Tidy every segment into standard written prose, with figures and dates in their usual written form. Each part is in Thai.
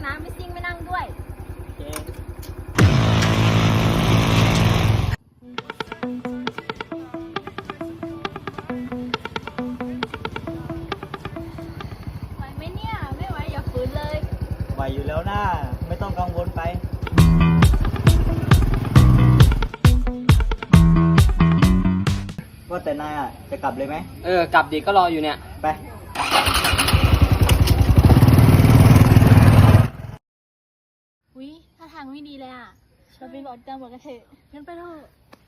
นะไม่ซิ่งไม่นั่งด้วยไหวไหมเนี่ยไม่ไหวอย่าฝืนเลยไหวอยู่แล้วนะไม่ต้องกังวลไปว่าแต่นายอ่ะจะกลับเลยไหมกลับดีก็รออยู่เนี่ยไปอุ๊ยถ้าทางไม่ดีเลยอ่ะเราไปบอกตำรวจกันเถอะงั้นไปเถอะ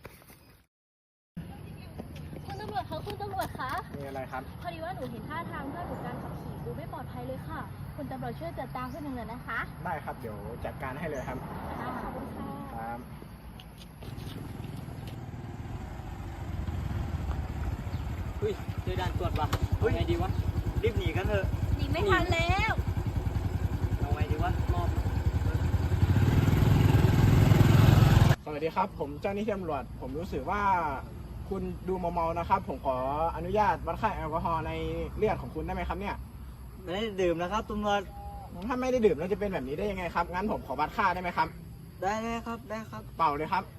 คุณตำรวจคะคุณตำรวจคะมีอะไรครับพอดีว่าหนูเห็นท่าทางเพื่อนหนูการขับขี่ดูไม่ปลอดภัยเลยค่ะคุณตำรวจช่วยจัดตามเพื่อนหนึ่งหน่อยนะคะได้ครับเดี๋ยวจัดการให้เลยครับขอบคุณค่ะครับเฮ้ยเจอด่านตรวจว่ะไงดีวะรีบหนีกันเถอะหนีไม่ทันแล้วเอาไงดีวะมอบสวัสดีครับผมเจ้าหน้าที่ตำรวจผมรู้สึกว่าคุณดูเมาๆนะครับผมขออนุญาตวัดค่าแอลกอฮอล์ในเลือดของคุณได้ไหมครับเนี่ยไม่ได้ดื่มนะครับตำรวจถ้าไม่ได้ดื่มแล้วจะเป็นแบบนี้ได้ยังไงครับงั้นผมขอวัดค่าได้ไหมครับได้เลยครับได้ครับเป่าเลยครับ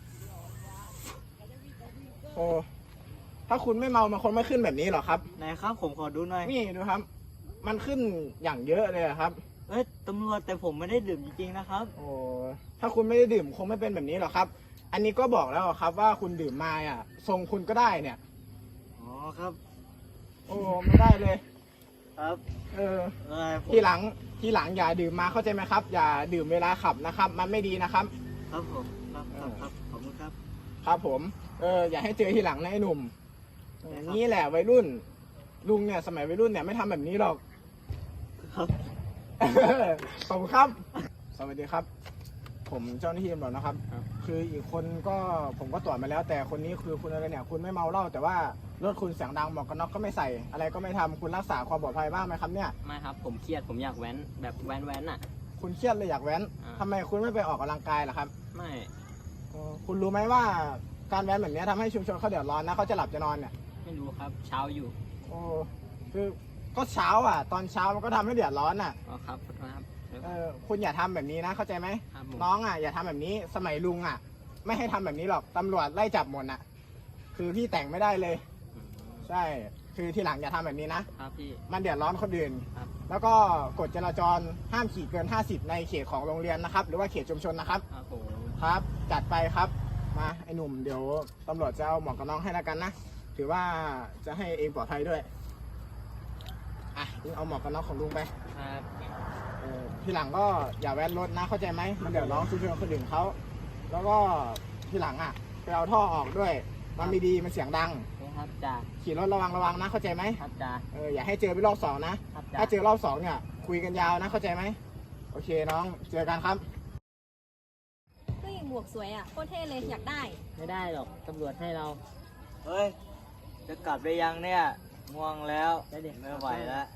โอ้ถ้าคุณไม่เมามันคงไม่ขึ้นแบบนี้หรอกครับไหนครับผมขอดูหน่อยนี่ดูครับมันขึ้นอย่างเยอะเลยครับตำรวจแต่ผมไม่ได้ดื่มจริงๆนะครับโอ้ถ้าคุณไม่ได้ดื่มคงไม่เป็นแบบนี้หรอกครับอันนี้ก็บอกแล้วครับว่าคุณดื่มมาอ่ะทรงคุณก็ได้เนี่ยอ๋อครับโอ้ไม่ได้เลยครับทีหลังอย่าดื่มมาเข้าใจไหมครับอย่าดื่มเวลาขับนะครับมันไม่ดีนะครับครับผมครับขอบคุณครับครับผมอย่าให้เจอทีหลังนะไอ้หนุ่มนี่แหละวัยรุ่นลุงเนี่ยสมัยวัยรุ่นเนี่ยไม่ทำแบบนี้หรอกครับขอบคุณครับสวัสดีครับผมเจ้าหน้าที่ตำรวจนะครับคืออีกคนก็ผมก็ตรวจมาแล้วแต่คนนี้คือคุณอะไรเนี่ยคุณไม่เมาเหล้าแต่ว่ารถคุณเสียงดังหมวกกันน็อกก็ไม่ใส่อะไรก็ไม่ทำคุณรักษาความปลอดภัยบ้างไหมครับเนี่ยไม่ครับผมเครียดผมอยากแว้นแบบแว้นอ่ะคุณเครียดเลยอยากแว้นทำไมคุณไม่ไปออกกำลังกายล่ะครับไม่คุณรู้ไหมว่าการแว้นแบบนี้ทำให้ชุมชนเขาเดือดร้อนนะเขาจะหลับจะนอนเนี่ยไม่รู้ครับเช้าอยู่โอ้คือก็เช้าอ่ะตอนเช้ามันก็ทำให้เดือดร้อนอ่ะอ๋อครับคุณอย่าทำแบบนี้นะเข้าใจไหมน้องอ่ะอย่าทำแบบนี้สมัยลุงอ่ะไม่ให้ทำแบบนี้หรอกตำรวจไล่จับหมดอ่ะคือพี่แต่งไม่ได้เลยใช่คือทีหลังอย่าทำแบบนี้นะครับพี่มันเดือดร้อนคนอื่นแล้วก็กฎจราจรห้ามขี่เกิน50ในเขตของโรงเรียนนะครับหรือว่าเขตชุมชนนะครับครับจัดไปครับมาไอ้หนุ่มเดี๋ยวตำรวจจะเอาหมวกกันน็อกให้แล้วกันนะถือว่าจะให้เองปลอดภัยด้วยอ่ะลุงเอาหมวกกันน็อกของลุงไปครับทีหลังก็อย่าแว้นรถนะเข้าใจไหมมันเดือดร้อนชุมชนคนอื่นเขาแล้วก็ทีหลังอ่ะไปเอาท่อออกด้วยมันไม่ดีมันเสียงดังครับจ้าขี่รถระวังนะเข้าใจไหมครับจ้าอย่าให้เจอไปรอบสองนะถ้าเจอรอบสองเนี่ยคุยกันยาวนะเข้าใจไหมโอเคน้องเจอกันครับผู้หญิงหมวกสวยอ่ะโคตรเท่เลยอยากได้ไม่ได้หรอกตำรวจให้เราเฮ้ยจะกลับได้ยังเนี่ยง่วงแล้วไม่ไหวแล้ว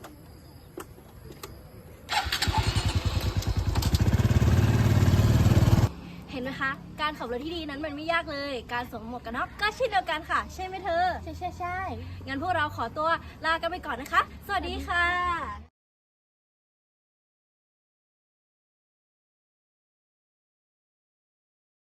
เห็นไหมคะการขับรถที่ดีนั้นมันไม่ยากเลยการสวมหมวกกันน็อกก็เช่นเดียวกันค่ะใช่ไหมเธอใช่งั้นพวกเราขอตัวลากันไปก่อนนะคะสวัสดีค่ะ